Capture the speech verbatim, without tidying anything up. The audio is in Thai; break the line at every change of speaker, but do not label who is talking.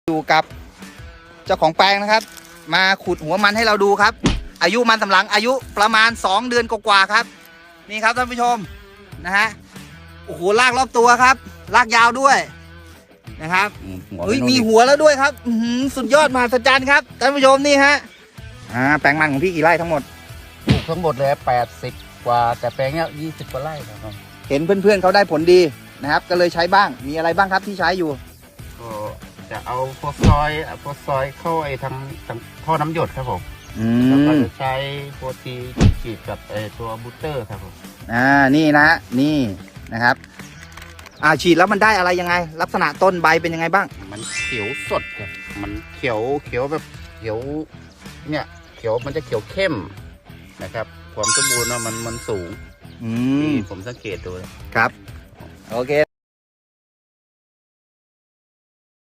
อยู่กับเจ้าของแปลงนะครับมาขุดหัวมันให้เราดูครับอายุมันสำหลังอายุประมาณสองเดือนกว่าๆครับนี่ครับท่านผู้ชมนะฮะโอ้โหลากรอบตัวครับลากยาวด้วยนะครับเฮ้ยมีหัวแล้วด้วยครับสุดยอดมหัศจรรย์ครับท่านผู้ชมนี่ฮะอ่าแปลงมันของพี่กี่ไร่ทั้งหมด
ปลูกทั้งหมดเลยแปดสิบกว่าแต่แปลงเนี้ยยี่สิบกว่าไร่นะครับ
เห็นเพื่อนๆเขาได้ผลดีนะครับก็เลยใช้บ้างมีอะไรบ้างครับที่ใช้อยู่
ก็จะเอาโฟซอยโฟซอยเข้าไอ้ทางทางท่อน้ำหยดครับผมแล้วก็จะใช้โปรตีฉีดกับไอ้ตัวบูสเตอร์ครับผม
อ่านี่นะนี่นะครับอ่าฉีดแล้วมันได้อะไรยังไงลักษณะต้นใบเป็นยังไงบ้าง
มันเขียวสดครับมันเขียวเขียวแบบเขียวเนี่ยเขียวมันจะเขียวเข้มนะครับความสมบูรณ์มันมันสูง
อืม
ผมสังเกตดู
ครับโอเค